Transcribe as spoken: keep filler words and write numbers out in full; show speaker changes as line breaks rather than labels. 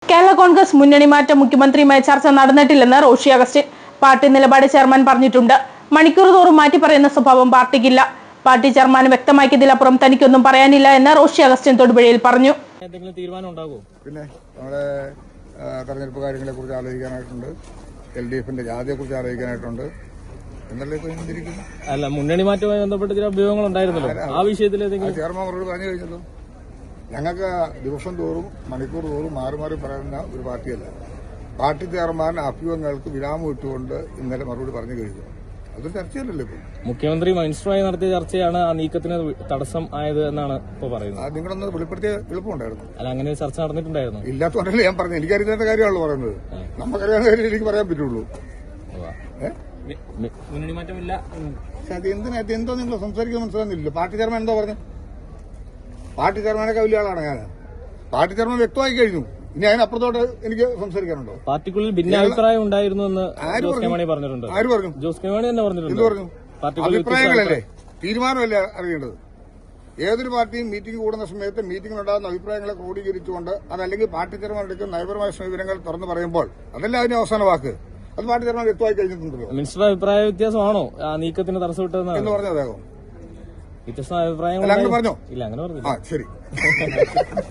കേരള കോൺഗ്രസ് മുന്നണി മാറ്റം മുഖ്യമന്ത്രിയുമായി ചർച്ച നടന്നിട്ടില്ലെന്ന് റോഷി അഗസ്റ്റിൻ പാർട്ടി നിലപാട് ചെയർമാൻ പറഞ്ഞിട്ടുണ്ട്. മണിക്കൂർ തോറും മാറ്റി പറയുന്ന സ്വഭാവം പാർട്ടിക്കില്ല. പാർട്ടി ചെയർമാൻ വ്യക്തമാക്കിയതിലപ്പുറം തനിക്കൊന്നും പറയാനില്ല എന്ന് റോഷി അഗസ്റ്റിൻ തൊടുപുഴയിൽ പറഞ്ഞു.
എന്തെങ്കിലും തീരുമാനം ഉണ്ടാകുമോ?
പിന്നെ നമ്മുടെ തെരഞ്ഞെടുപ്പ് കാര്യങ്ങളെ കുറിച്ച് ആലോചിക്കാനായിട്ടുണ്ട്, എൽ ഡി എഫിന്റെ ജാതിയെ കുറിച്ച് ആലോചിക്കാനായിട്ടുണ്ട് എന്നല്ലേ ഇരിക്കുന്നു.
അല്ല, മുന്നണി മാറ്റവുമായി ബന്ധപ്പെട്ട് ചില അഭ്യൂഹങ്ങൾ ഉണ്ടായിരുന്നല്ലോ, ആ വിഷയത്തിൽ
ചെയർമാൻ മറുപടി പറഞ്ഞു കഴിഞ്ഞല്ലോ. ഞങ്ങൾക്ക് ദിവസം തോറും മണിക്കൂർ തോറും മാറി മാറി പറയുന്ന ഒരു പാർട്ടിയല്ല. പാർട്ടി ചെയർമാൻ അഭ്യൂഹങ്ങൾക്ക് വിരാമം ഇട്ടുകൊണ്ട് ഇന്നലെ മറുപടി പറഞ്ഞു കഴിഞ്ഞു. അതൊരു ചർച്ചയല്ലല്ലോ ഇപ്പോൾ.
മുഖ്യമന്ത്രി മിനിസ്റ്ററുമായി നടത്തിയ ചർച്ചയാണ് ആ നീക്കത്തിന് തടസ്സം ആയത് എന്നാണ് ഇപ്പൊ പറയുന്നത്.
നിങ്ങളൊന്ന് വെളിപ്പെടുത്തിയ എളുപ്പമുണ്ടായിരുന്നു.
അല്ല, അങ്ങനെ ചർച്ച നടന്നിട്ടുണ്ടായിരുന്നു.
ഇല്ലാത്തതുകൊണ്ടല്ലേ ഞാൻ പറഞ്ഞു. എനിക്കറിയാത്ത കാര്യമാണല്ലോ പറയുന്നത്. നമുക്കറിയാവുന്ന കാര്യം എനിക്ക് പറയാൻ പറ്റുള്ളൂ.
മുന്നണി മാറ്റമില്ല.
പക്ഷെ അത് എന്തിനാ എന്തോ നിങ്ങൾ സംസാരിക്കാൻ മനസ്സിലാകുന്നില്ല. പാർട്ടി ചെയർമാൻ എന്തോ പറഞ്ഞു? പാർട്ടി ചെയർമാനൊക്കെ വലിയ ആളാണ് ഞാൻ. പാർട്ടി ചെയർമാൻ വ്യക്തമായി കഴിഞ്ഞു. ഇനി അതിനപ്പുറത്തോട്ട് എനിക്ക് സംസാരിക്കാനുണ്ടോ?
പാർട്ടിക്കുള്ളിൽ ഭിന്നാഭിപ്രായം ഉണ്ടായിരുന്നു എന്ന് ജോസ് കെ മാണി പറഞ്ഞിട്ടുണ്ട്.
ആര് പറഞ്ഞു?
ജോസ് കെ മാണി തന്നെ പറഞ്ഞിട്ടുണ്ട്.
എന്ത് പറഞ്ഞു? അഭിപ്രായങ്ങളല്ലേ, തീരുമാനമല്ലേ അറിയേണ്ടത്. ഏതൊരു പാർട്ടിയും മീറ്റിംഗ് കൂടുന്ന സമയത്ത് മീറ്റിംഗിലുണ്ടാകുന്ന അഭിപ്രായങ്ങളെ ക്രോഡീകരിച്ചുകൊണ്ട് അതല്ലെങ്കിൽ പാർട്ടി ചെയർമാൻ എടുക്കുന്ന നയപരമായ സമീപനങ്ങൾ തുറന്നു പറയുമ്പോൾ അതല്ല അതിന്റെ അവസാന വാക്ക്. അത് പാർട്ടി ചെയർമാൻ വ്യക്തമായി കഴിഞ്ഞിട്ടുണ്ടല്ലോ.
മിനിസ്റ്റർ അഭിപ്രായ വ്യത്യാസമാണോ ആ നീക്കത്തിന് തടസ്സമിട്ടതെന്ന്
എന്ന് പറഞ്ഞ അദ്ദേഹം
വ്യത്യസ്ത അഭിപ്രായങ്ങൾ
അങ്ങനെ പറഞ്ഞോ?
ഇല്ല, അങ്ങനെ പറഞ്ഞു.
ആ, ശരി.